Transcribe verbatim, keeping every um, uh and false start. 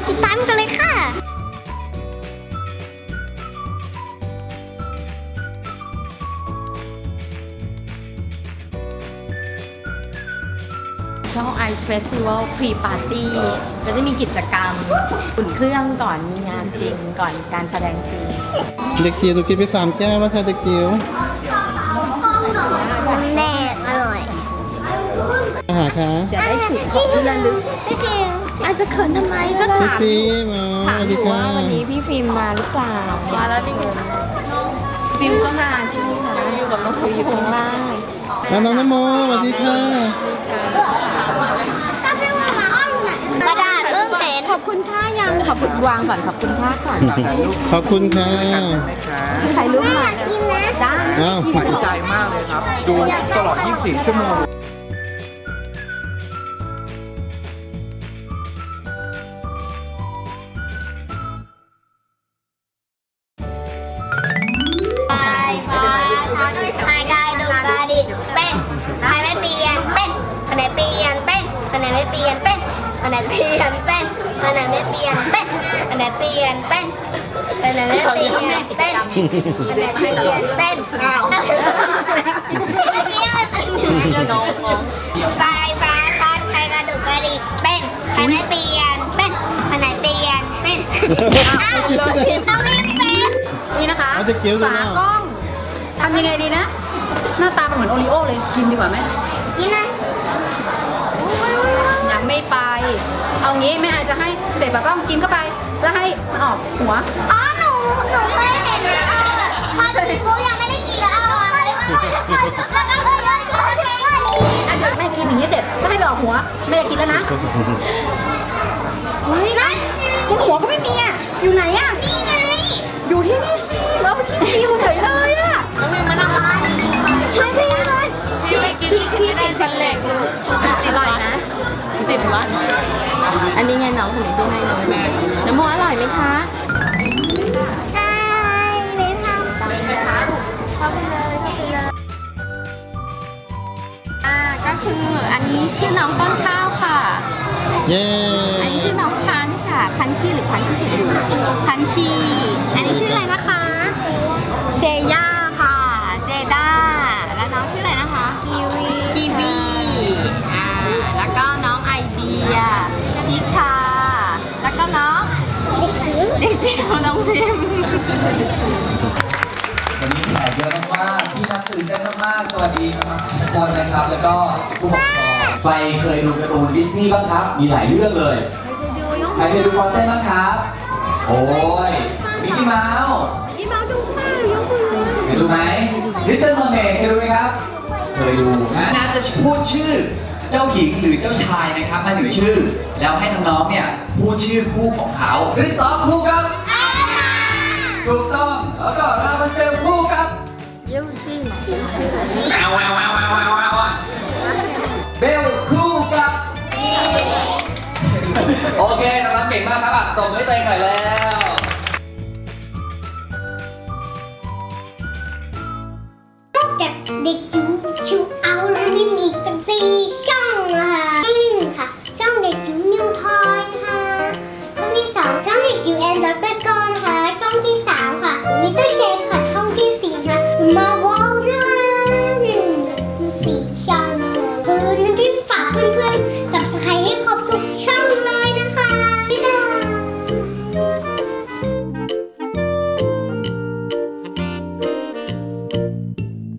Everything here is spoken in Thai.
ติดตามกันเลยค่ะช่อง Ice Festival Pre Party ก็จะมีกิจกรรมอุ่นเครื่องก่อนมีงานจริงก่อนการแสดงจริงเด็กจิ๋วหนูกินไปสามแก้วแล้วค่ะเด็กจิ๋วแน่อร่อยอาหารคะจะได้ถือของที่ระลึกพี่ฟิล์มอาจจะเขินทำไมก็พี่ถามฟิล์มอ๋อถามสวัสอดียู่ค่ะว่าวันนี้พี่ฟิล์มมาหรือเปล่ามาแล้วนี่ฟิล์มก็มาใช่ไหมคะอยู่กับน้องฟิล์มอยู่ข้างล่างแล้วน้องนโมสวัสดีค่ะกระดาษเพิ่งเห็นขอบคุณค่ายังขอบคุณวางก่อนขอบคุณค่าก่อนขอบคุณค่ะถ่ายรูปหน่อยกินนะได้อ้าวหายใจมากเลยครับ ดูตลอด ยี่สิบสี่ ชั่วโมงไปฟ้าหายกายดูกาดิเป็นใครไม่เปลี่ยนเป็นคนไหนเปลี่ยนเป็นคนไหนไม่เปลี่ยนเป็นคนไหนเปลี่ยนเป็นคนไหนไม่เปลี่ยนเป็นคนไหนเปลี่ยนเป็นคนไหนไม่เปลี่ยนเป็นคนไหนเปลี่ยนเป็นไฟฟ้าช็อตใครกระดูกกระดิกเป็นใครไม่เปลี่ยนเป็นคนไหนเปลี่ยนเป็นอ้าวต้องรีบเป็นนี่นะคะเอาเด็กจิ๋วดูฝานะกล้องทำยังไงดีนะ หน้าตามันเหมือนโอริโอเลยกินดีกว่าไหมกินนะยังไม่ไป เอางี้แม่อาจจะให้เศษฝากล้องกินเข้าไป แล้วให้มันออกหัวอ๋อหนูหนูเคยเห็นนะพอกินปุ๊บยังไม่ได้กินแล้วเอาอะไรมาแล้วก็เลยก็เลยอันเดี๋ยวแม่กินอย่างนี้เสร็จก็ให้ไปออกหัวแม่จะกินแล้วนะเฮ้ยนะบนหัวก็ไม่มีอ่ะ อยู่ไหนอ่ะนี่ไงอยู่ที่นี่แล้วกินฟิวเฉยเลยอ่ะน้องมิวมานั่งมาใช่พี่เลยพี่ไม่กินพี่ติดฟันเหล็กเลยอร่อยนะติดฟันอันนี้ไงน้องคนนี้ที่ให้น้องน้ำโมอร่อยไหมคะใช่เลยค่ะเข้าไปเลยเข้าไปเลยอ่าก็คืออันนี้ชื่อน้องต้นข้าวค่ะเย้อันนี้ชื่อน้องพันช์ค่ะ พันชีหรือพันชีถูกอยู่พันชี อันนี้ชื่ออะไรนะคะเซย่าค่ะ เจด้า แล้วน้องชื่ออะไรนะคะ กีวี กีวี อ่า แล้วก็น้องไอเดียพิชา แล้วก็น้องเด็กจิ๋วน้องพิมวันนี้แขกเยอะมากๆที่นักตื่นเต้นมากๆสวัสดีนะครับทุกคนนะครับ แล้วก็ผู้ปกครองใครเคยดูการ์ตูนดิสนีย์บ้างครับ มีหลายเรื่องเลย ใครเคยดูฟรอสเซนบ้างครับ โอ้ย มิกกี้เมาส์พี่มาดูค่ะยกมือเคยดูไหมลิตเติ้ลเมอร์เมดเคยดูไหมครับ เคยดูนะน่าจะพูดชื่อเจ้าหญิงหรือเจ้าชายนะครับมาถึงชื่อ แล้วให้น้องๆเนี่ยพูดชื่อคู่ของเขาคริสตอฟคู่ครับถูกต้องแล้วก็ราพันเซลคู่ครับยิ้วจิ้มจิ้มชื่อแววแววแววแววแววแววเบลคู่กับโอเคน้องๆเก่งมากครับอ่ะตบมือให้ตัวเองหน่อยแล้วนอกจากเด็กจิ๋วชิวเอาแล้วนี่มีอีกตั้งสี่ช่องนะคะช่องที่หนึ่งค่ะ ช่องเด็กจิ๋วนิวทอยค่ะช่องที่สองช่องเด็กจิ๋วแอนด์ด็อกเตอร์กอนค่ะช่องที่สามค่ะลิตเติ้ลเชฟค่ะช่องที่สี่ค่ะ Small World ที่สี่ช่อง